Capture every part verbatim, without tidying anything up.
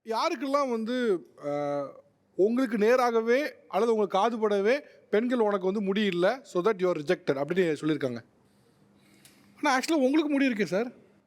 யாருக்கெல்லாம் வந்து அஹ், உங்களுக்கு நேராகவே அல்லது உங்களுக்கு காதுபடவே பெண்கள் உனக்கு வந்து முடி இல்லை ஸோ தட் யூஆர் ரிஜெக்டட் அப்படின்னு சொல்லியிருக்காங்க. ஆனால் ஆக்சுவலாக உங்களுக்கு முடி இருக்கே சார்.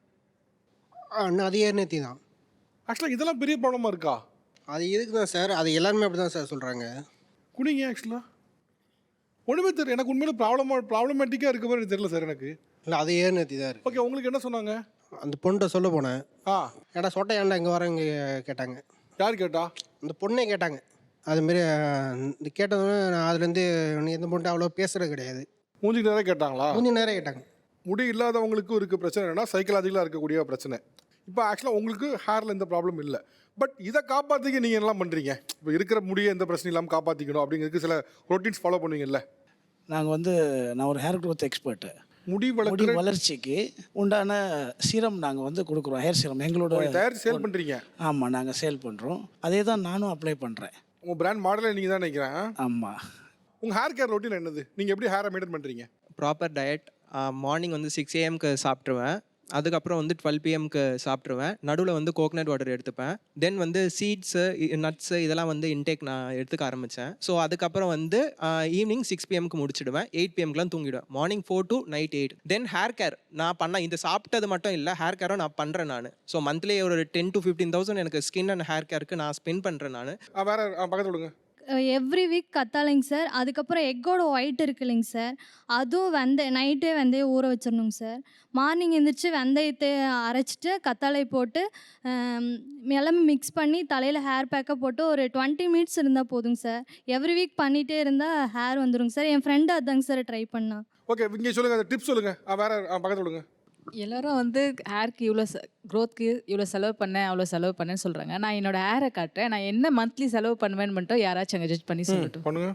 அண்ணா அது ஏர்நேத்தி தான். ஆக்சுவலாக இதெல்லாம் பெரிய ப்ராப்ளமாக இருக்கா? அது இதுக்கு தான் சார், அது எல்லாருமே அப்படி தான் சார் சொல்கிறாங்க. குனிங்க ஆக்சுவலாக ஒன்றுமே தெரியல எனக்கு உண்மையில ப்ராப்ளமாக ப்ராப்ளமேட்டிக்காக இருக்க மாதிரி எனக்கு தெரியல சார் எனக்கு. இல்லை அது ஏர்நேத்தி தான் இருக்குது. ஓகே, உங்களுக்கு என்ன சொன்னாங்க? அந்த பொண்ணுகிட்ட சொல்ல போனேன். ஆ, ஏடா சொட்டை ஏன்டா இங்கே வரேங்க கேட்டாங்க. யார் கேட்டா? அந்த பொண்ணே கேட்டாங்க. அதுமாரி இந்த கேட்டதுமே நான் அதுலேருந்து நீ எந்த பொண்ணு அவ்வளோ பேசுகிறது கிடையாது. மூஞ்சிக்கு நேரம் கேட்டாங்களா? கொஞ்சம் நேரம் கேட்டாங்க. முடி இல்லாதவங்களுக்கும் இருக்க பிரச்சனை என்னன்னா சைக்கலாஜிக்கலாக இருக்கக்கூடிய பிரச்சனை. இப்போ ஆக்சுவலாக உங்களுக்கு ஹேரில் எந்த ப்ராப்ளம் இல்லை, பட் இதை காப்பாற்றிக்க நீங்கள் என்னலாம் பண்ணுறீங்க? இப்போ இருக்கிற முடியை எந்த பிரச்சனையும் இல்லாமல் காப்பாற்றிக்கணும் அப்படிங்கிறதுக்கு சில ரொட்டீன்ஸ் ஃபாலோ பண்ணுவீங்கல்ல? நாங்கள் வந்து நான் ஒரு ஹேர் க்ரோத் எக்ஸ்பர்ட்டு. முடி முடி வளர்க்குற வளர்ச்சிக்கு உண்டான சீரம் நாங்கள் வந்து கொடுக்குறோம். ஹேர் சீரம் எங்களோட தயாரித்து சேல் பண்ணுறீங்க. ஆமாம், நாங்கள் சேல் பண்ணுறோம். அதே தான் நானும் அப்ளை பண்ணுறேன். உங்கள் பிராண்ட் மாடலை நீங்கள் தான் நினைக்கிறேன். ஆமாம். உங்கள் ஹேர் கேர் ரொட்டீன் என்னது? நீங்கள் எப்படி ஹேரை மெயின்டைன் பண்ணுறீங்க? Proper diet. மார்னிங் வந்து சிக்ஸ் ஏஎம்க்கு சாப்பிட்ருவேன். அதுக்கப்புறம் வந்து டுவெல் பிஎம்க்கு சாப்பிட்ருவேன். நடுவில் வந்து கோகனட் வாட்டர் எடுத்துப்பேன். தென் வந்து சீட்ஸு நட்ஸு இதெல்லாம் வந்து இன்டேக் நான் எடுத்துக்க ஆரம்பித்தேன். ஸோ அதுக்கப்புறம் வந்து ஈவினிங் சிக்ஸ் பிஎம்க்கு முடிச்சிடுவேன். எயிட் பிஎம்க்குலாம் தூங்கிடுவேன். Morning four to night eight. Then hair care நான் பண்ண இந்த சாப்பிட்டது மட்டும் இல்லை, ஹேர் கேரும் நான் பண்ணுறேன் நான். ஸோ மந்த்லி ஒரு டென் டு ஃபிஃப்டீன் தௌசண்ட் எனக்கு ஸ்கின் அண்ட் ஹேர் கேருக்கு நான் ஸ்பெண்ட் பண்ணுறேன் நான். வேற பக்கத்தில் விடுங்க. எவ்ரி வீக் கத்தாழைங்க சார். அதுக்கப்புறம் எக்கோட ஒயிட் இருக்கு இல்லைங்க சார், அதுவும் வெந்தய நைட்டே வெந்தயம் ஊற வச்சிடணுங்க சார். மார்னிங் எழுந்திரிச்சு வெந்தயத்தை அரைச்சிட்டு கத்தாழை போட்டு எல்லாமே மிக்ஸ் பண்ணி தலையில் ஹேர் பேக்கை போட்டு ஒரு டுவெண்ட்டி மினிட்ஸ் இருந்தால் போதுங்க சார். எவ்ரி வீக் பண்ணிகிட்டே இருந்தால் ஹேர் வந்துடுங்க சார். என் ஃப்ரெண்டு அதாங்க சார் ட்ரை பண்ணா. ஓகே, இங்கே சொல்லுங்கள், அந்த டிப்ஸ் சொல்லுங்கள். வேற பக்கத்தில் விடுங்க. எல்லாரும் வந்து ஹேருக்கு இவ்வளோ செ க்ரோத்க்கு இவ்வளோ செலவு பண்ணேன் அவ்வளோ செலவு பண்ணேன்னு சொல்கிறாங்க. நான் என்னோட ஹேரை காட்டுறேன். நான் என்ன மந்த்லி செலவு பண்ணுவேன்னு மட்டும் யாராச்சும் அங்கே ஜட்ஜ் பண்ணி சொல்லட்டும். பண்ணுங்க.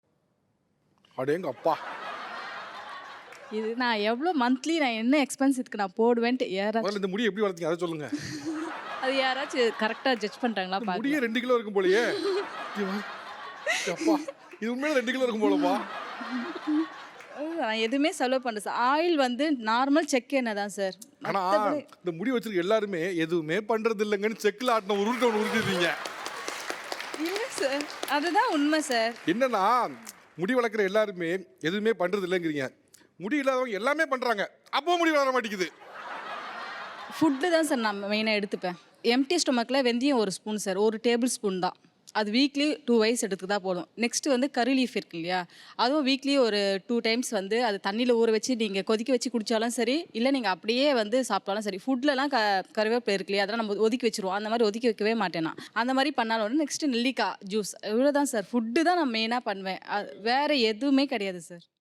அடேங்க அப்பா, இது நான் எவ்வளோ மந்த்லி நான் என்ன எக்ஸ்பென்ஸ் இதுக்கு நான் போடுவேன்ட்டு யாராச்சும் முதல்ல இந்த முடி எப்படி வளர்த்தீங்க அதை சொல்லுங்க. அது யாராச்சும் கரெக்டாக ஜட்ஜ் பண்ணுறாங்களா முடியே பார்க்க. ரெண்டு கிலோ இருக்கும் போலயே. அப்பா, இது உண்மையில ரெண்டு கிலோ இருக்கும் போலப்பா. நான் எதுவுமே செலவு பண்ணுறேன் சார். ஆயில் வந்து நார்மல் செக் எண்ணெய் தான் சார். ஆனா இந்த முடி வச்சிருக்க எல்லாருமே எதுவுமே பண்றது இல்லைங்கன்னு செக்கில் ஆட்டின ஒரு உருட்டை ஒன்று உருட்டிடுறீங்க. இல்லை சார், அதுதான் உண்மை சார். என்னன்னா முடி வளர்க்குற எல்லாருமே எதுவுமே பண்றது இல்லைங்கிறீங்க, முடி இல்லாதவங்க எல்லாமே பண்றாங்க, அப்போ முடி வளர மாட்டேங்குது. ஃபுட்டு தான் சார் நான் மெயினாக எடுத்துப்பேன். எம்டி ஸ்டொமக்கில் வெந்தயம் ஒரு ஸ்பூன் சார், ஒரு டேபிள் ஸ்பூன் தான். அது வீக்லி டூ வைஸ் எடுத்துக்கிட்டா போதும். நெக்ஸ்ட்டு வந்து கறி லீஃப் இருக்கு இல்லையா, அதுவும் வீக்லி ஒரு டூ டைம்ஸ் வந்து அது தண்ணியில் ஊற வச்சு நீங்கள் கொதிக்க வச்சு குடித்தாலும் சரி, இல்லை நீங்கள் அப்படியே வந்து சாப்பிட்டாலும் சரி. ஃபுட்லலாம் க கருவேப்பிலை இருக்கு இல்லையா, அதெல்லாம் நம்ம ஒதுக்கி வச்சுருவோம். அந்த மாதிரி ஒதுக்கி வைக்கவே மாட்டேன் நான். அந்த மாதிரி பண்ணாலும் நெக்ஸ்ட்டு நெல்லிக்காய் ஜூஸ், இவ்வளோ தான் சார். ஃபுட்டு தான் நான் மெயினாக பண்ணுவேன். வேறு எதுவுமே கிடையாது சார்.